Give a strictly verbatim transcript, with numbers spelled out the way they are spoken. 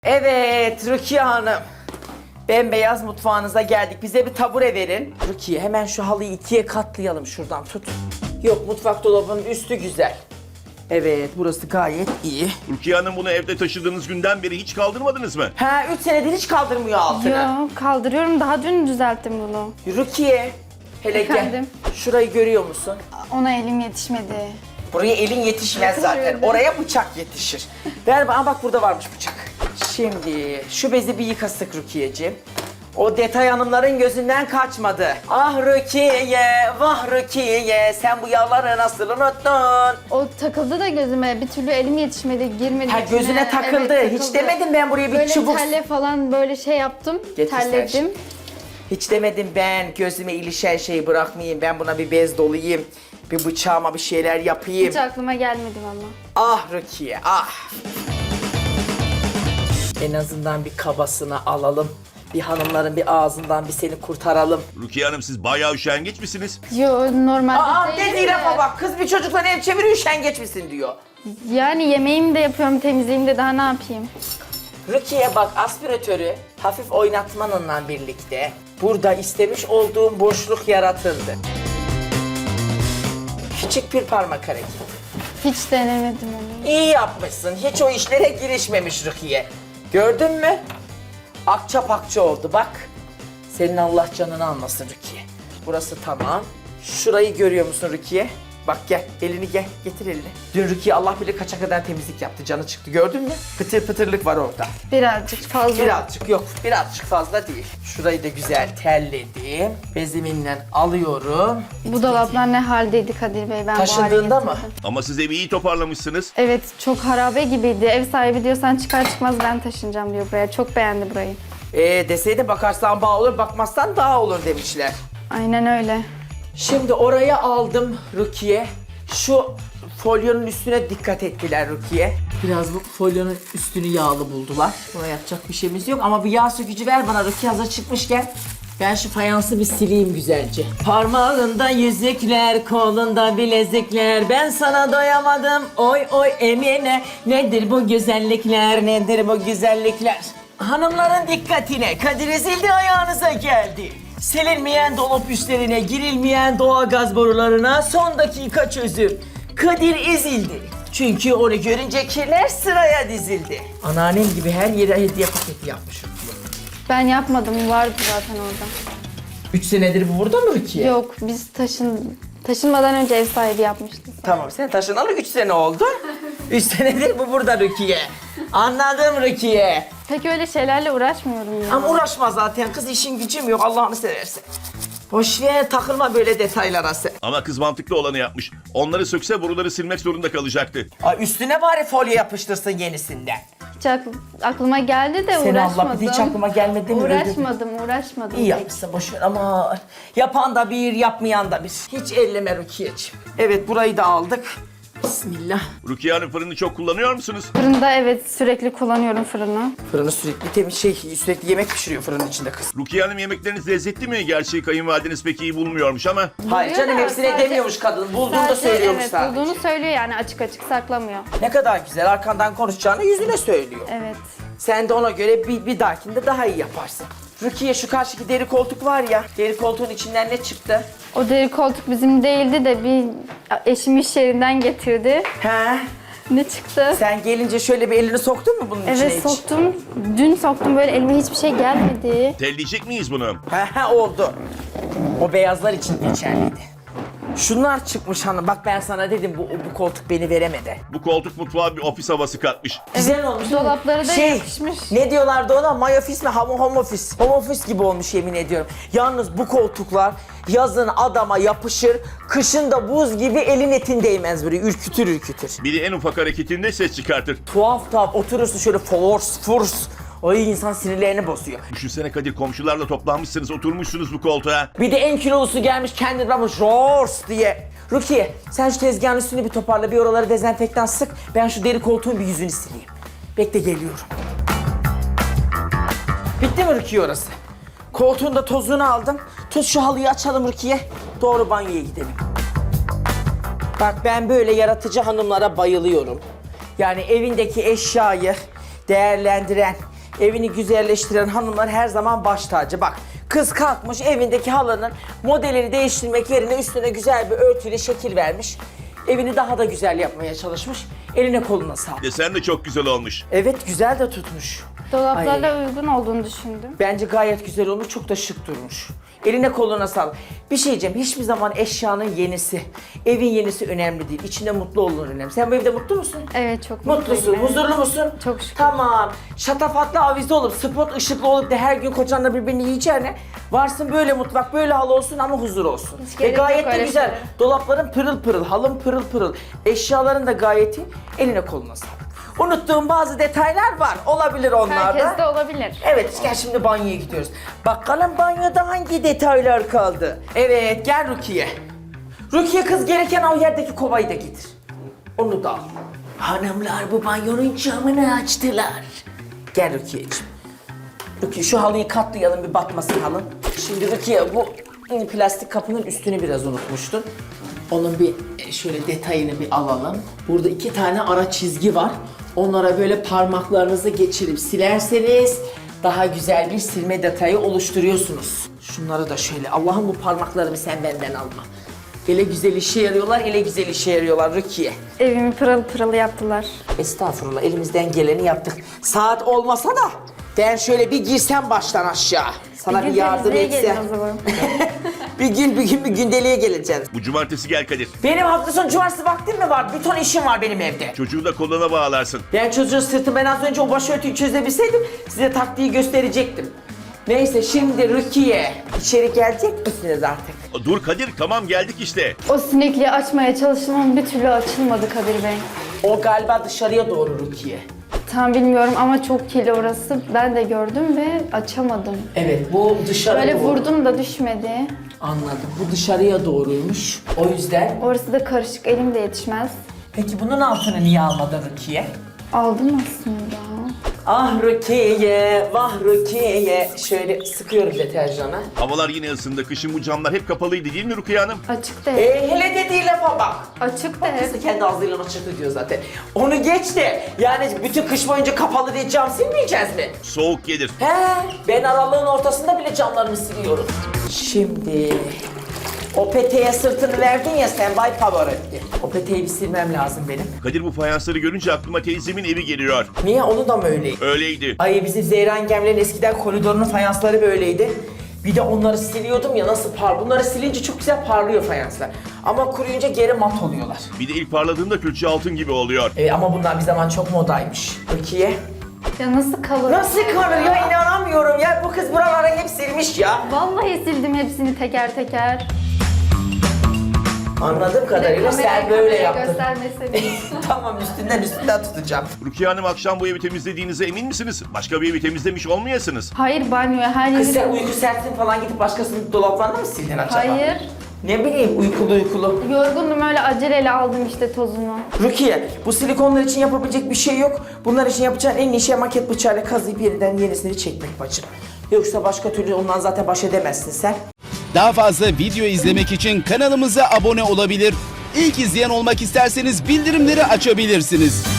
Evet Rukiye Hanım. Bembeyaz mutfağınıza geldik. Bize bir tabure verin. Rukiye hemen şu halıyı ikiye katlayalım şuradan tut. Yok mutfak dolabının üstü güzel. Evet burası gayet iyi. Rukiye Hanım bunu evde taşıdığınız günden beri hiç kaldırmadınız mı? Ha üç senedir hiç kaldırmıyor altını. Yok kaldırıyorum, daha dün düzelttim bunu. Rukiye hele Efendim? gel. Şurayı görüyor musun? Ona elim yetişmedi. Buraya elin yetişmez zaten. Yetişmedi. Oraya bıçak yetişir. Ver bana bak burada varmış bıçak. Şimdi şu bezi bir yıkasık Rukiye'ciğim. O detay hanımların gözünden kaçmadı. Ah Rukiye, vah Rukiye, sen bu yağları nasıl unuttun? O takıldı da gözüme, bir türlü elim yetişmedi, girmedi Ha içine. gözüne takıldı. Evet, Hiç demedim ben buraya bir böyle çubuk. telle falan böyle şey yaptım, Getir sen terledim. şimdi. Hiç demedim ben gözüme ilişen şeyi bırakmayayım. Ben buna bir bez dolayayım. Bir bıçağıma bir şeyler yapayım. Hiç aklıma gelmedi valla. Ah Rukiye, ah. En azından bir kabasını alalım. Bir hanımların bir ağzından bir seni kurtaralım. Rukiye Hanım siz bayağı üşengeç misiniz? Yo normalde Aa değilim dediği de. lafa bak. Kız bir çocukla ev çeviriyor üşengeç misin diyor. Yani yemeğimi de yapıyorum, temizliğimi de, daha ne yapayım? Rukiye bak aspiratörü hafif oynatmanınla birlikte burada istemiş olduğum boşluk yaratıldı. Küçük bir parmak hareketi. Hiç denemedim onu. İyi yapmışsın. Hiç o işlere girişmemiş Rukiye. Gördün mü? Akça pakça oldu bak. Senin Allah canını almasın Rukiye. Burası tamam. Şurayı görüyor musun Rukiye? Bak gel, elini gel, getir elini. Dün Rukiye Allah bilir kaça kadar temizlik yaptı, canı çıktı gördün mü? Pıtır pıtırlık var orada. Birazcık fazla. Birazcık yok, birazcık fazla değil. Şurayı da güzel terledim. Beziminle alıyorum. Bu dolaplar ne haldeydi Kadir Bey, ben bu Taşındığında hale mı? getirdim. Ama siz evi iyi toparlamışsınız. Evet, çok harabe gibiydi. Ev sahibi diyor sen çıkar çıkmaz ben taşınacağım diyor buraya. Çok beğendi burayı. Ee deseydi bakarsan bağ olur, bakmazsan daha olur demişler. Aynen öyle. Şimdi oraya aldım Rukiye. Şu folyonun üstüne dikkat ettiler Rukiye. Biraz bu folyonun üstünü yağlı buldular. Buna yapacak bir şeyimiz yok ama bir yağ sökücü ver bana Rukiye hazır çıkmışken. Ben şu fayansı bir sileyim güzelce. Parmağında yüzükler, kolunda bilezikler. Ben sana doyamadım, oy oy Emine. Nedir bu güzellikler, nedir bu güzellikler? Hanımların dikkatine, Kadir ezildi ayağınıza geldi. Silinmeyen dolap üstlerine, girilmeyen doğalgaz borularına son dakika çözüm. Kadir ezildi. Çünkü onu görünce kirler sıraya dizildi. Anneannem gibi her yere hediye paketi yapmış. Ben yapmadım, vardı zaten orada. Üç senedir bu burada mı Rukiye? Yok, biz taşın taşınmadan önce ev sahibi yapmıştık. Tamam sen taşınalı üç sene oldu. Üç senedir bu burada Rukiye. Anladım Rukiye. Pek öyle şeylerle uğraşmıyorum ya. Ama uğraşma zaten kız işin gücüm yok Allah'ını seversen. Boş ver takılma böyle detaylara sen. Ama kız mantıklı olanı yapmış. Onları sökse boruları silmek zorunda kalacaktı. Ay üstüne bari folyo yapıştırsın yenisinden. Hiç akl- aklıma geldi de Seni uğraşmadım. Allah bir de hiç aklıma gelmedi mi? Öyle Uğraşmadım, uğraşmadım. İyi yapmışsın boş ver ama yapan da bir yapmayan da bir. Hiç elleme Rukiye'ciğim. Evet burayı da aldık. Bismillah. Rukiye Hanım fırını çok kullanıyor musunuz? Fırında evet, sürekli kullanıyorum fırını. Fırını sürekli temiz şey sürekli yemek pişiriyor fırının içinde kız. Rukiye Hanım yemekleriniz lezzetli mi? Gerçi kayınvalideniz pek iyi bulmuyormuş ama. Hayır canım da hepsine sadece- demiyormuş kadın. Bulduğunu da Sadece, söylüyormuş evet, sadece. bulduğunu söylüyor yani, açık açık saklamıyor. Ne kadar güzel arkandan konuşacağını yüzüne söylüyor. Evet. Sen de ona göre bir, bir dahakinde daha iyi yaparsın. Rukiye şu karşıki deri koltuk var ya, deri koltuğun içinden ne çıktı? O deri koltuk bizim değildi de bir eşim iş yerinden getirdi. He? Ne çıktı? Sen gelince şöyle bir elini soktun mu bunun içine Evet hiç? soktum. Dün soktum, böyle elime hiçbir şey gelmedi. Telleyecek miyiz bunu? He he oldu. O beyazlar için geçerliydi. Şunlar çıkmış hanım. Bak ben sana dedim bu, bu koltuk beni veremedi. Bu koltuk mutfağa bir ofis havası katmış. Güzel olmuş değil mi? Dolapları da şey, yapışmış. Ne diyorlardı ona? My office mi? Home, home office. Home office gibi olmuş yemin ediyorum. Yalnız bu koltuklar yazın adama yapışır, kışın da buz gibi elin etin değmez böyle ürkütür ürkütür. Biri en ufak hareketinde ses çıkartır. Tuhaf tuhaf oturursun şöyle force force. Ay insan sinirlerini bozuyor. Düşünsene Kadir, komşularla toplanmışsınız, oturmuşsunuz bu koltuğa. Bir de en kilolusu gelmiş kendini ramış roars diye. Rukiye sen şu tezgahın üstünü bir toparla, bir oraları dezenfektan sık. Ben şu deri koltuğun bir yüzünü sileyim. Bekle geliyorum. Bitti mi Rukiye orası? Koltuğun da tozunu aldım. Tut şu halıyı açalım Rukiye. Doğru banyoya gidelim. Bak ben böyle yaratıcı hanımlara bayılıyorum. Yani evindeki eşyayı değerlendiren, Evini güzelleştiren hanımlar her zaman baş tacı. Bak kız kalkmış evindeki halının modelini değiştirmek yerine üstüne güzel bir örtüyle şekil vermiş. Evini daha da güzel yapmaya çalışmış. Eline koluna sağlık. Desen de çok güzel olmuş. Evet güzel de tutmuş. Dolaplarla Ay. uygun olduğunu düşündüm. Bence gayet güzel olmuş, çok da şık durmuş. Eline koluna sağlık. Bir şey diyeceğim, hiçbir zaman eşyanın yenisi, evin yenisi önemli değil. İçinde mutlu olun önemli. Sen bu evde mutlu musun? Evet çok Mutlusun, mutluyum. huzurlu musun? Çok şükür. Tamam. Şatafatlı avize olup, spot ışıklı olup da her gün kocanla birbirini yiyeceğine varsın böyle mutfak, böyle halı olsun ama huzur olsun. Hiç Ve gerek yok gayet de öyle güzel. şeye. Dolapların pırıl pırıl, halın pırıl pırıl. Eşyaların da gayet iyi. Eline koluna sağlık. Unuttuğum bazı detaylar var. Olabilir onlar da. Herkes de olabilir. Evet, gel şimdi banyoya gidiyoruz. Bakalım banyoda hangi detaylar kaldı? Evet, gel Rukiye. Rukiye kız gereken o yerdeki kovayı da getir. Onu da al. Hanımlar bu banyonun camını açtılar. Gel Rukiye'ciğim. Rukiye şu halıyı katlayalım bir batmasın halın. Şimdi Rukiye bu plastik kapının üstünü biraz unutmuştun. Onun bir e, şöyle detayını bir alalım. Burada iki tane ara çizgi var. Onlara böyle parmaklarınızı geçirip silerseniz daha güzel bir silme detayı oluşturuyorsunuz. Şunları da şöyle, Allah'ım bu parmaklarımı sen benden alma. Ele güzel işe yarıyorlar, ele güzel işe yarıyorlar Rukiye. Evimi pırıl pırıl yaptılar. Estağfurullah, elimizden geleni yaptık. Saat olmasa da ben şöyle bir girsem baştan aşağı. Sana bir, gün yardım temizliğe etsem. gelin o zaman. Bir gün bir gün bir gündeliğe geleceğim. Bu cumartesi gel Kadir. Benim hafta sonu cumartesi vaktim mi var? Bir ton işim var benim evde. Çocuğu da koluna bağlarsın. Ben çocuğun sırtı, ben az önce o başörtüyü çözebilseydim size taktiği gösterecektim. Neyse şimdi Rukiye, içeri gelecek misiniz artık? Dur Kadir, tamam geldik işte. O sinekliği açmaya çalıştım ama bir türlü açılmadı Kadir Bey. O galiba dışarıya doğru Rukiye. Tam bilmiyorum ama çok kirli orası. Ben de gördüm ve açamadım. Evet, bu dışarıya Böyle doğru. vurdum da düşmedi. Anladım, bu dışarıya doğruymuş. O yüzden... Orası da karışık, elim de yetişmez. Peki bunun altını niye almadın Rukiye? Aldım aslında. Ah Rukiye, vah Rukiye. Şöyle sıkıyorum deterjanı. Havalar yine ısındı. Kışın bu camlar hep kapalıydı değil mi Rukiye Hanım? Açık da hep. E, hele dediği lafa bak. Açık da hep. Kızı kendi ağzıyla açıktı diyor zaten. Onu geç de, yani bütün kış boyunca kapalı diye cam silmeyeceğiz mi? Soğuk gelir. He, ben aralığın ortasında bile camlarımı siliyorum. Şimdi o peteğe sırtını verdin ya sen Bay Pavarotti. O peteği bir silmem lazım benim. Kadir bu fayansları görünce aklıma teyzemin evi geliyor. Niye? Onu da mı öyleydi? Öyleydi. Ay bizim Zehra Engemler'in eskiden koridorunun fayansları böyleydi. Bir de onları siliyordum ya, nasıl par. Bunları silince çok güzel parlıyor fayanslar. Ama kuruyunca geri mat oluyorlar. Bir de ilk parladığında külçe altın gibi oluyor. E, ama bunlar bir zaman çok modaymış. Türkiye. Ya nasıl kalır? Nasıl kalır ya, inanamıyorum ya. Bu kız buraları hep silmiş ya. Vallahi sildim hepsini teker teker. Anladığım Bir de kadarıyla sen kamerayı böyle kameraya yaptın. göstermeseydim. Tamam, üstünden üstünden tutacağım. Rukiye Hanım, akşam bu evi temizlediğinize emin misiniz? Başka bir evi temizlemiş olmayasınız. Hayır, banyoya her Kız sen yeri... uyku sersin falan gidip başkasının dolaplarını mı sildin acaba? Hayır. Ne bileyim, uykulu uykulu. Yorgundum, öyle aceleyle aldım işte tozunu. Rukiye, bu silikonlar için yapabilecek bir şey yok. Bunlar için yapacağın en iyi şey maket bıçağıyla kazıyıp yeniden yenisini çekmek bacım. Yoksa başka türlü ondan zaten baş edemezsin sen. Daha fazla video izlemek için kanalımıza abone olabilir. İlk izleyen olmak isterseniz bildirimleri açabilirsiniz.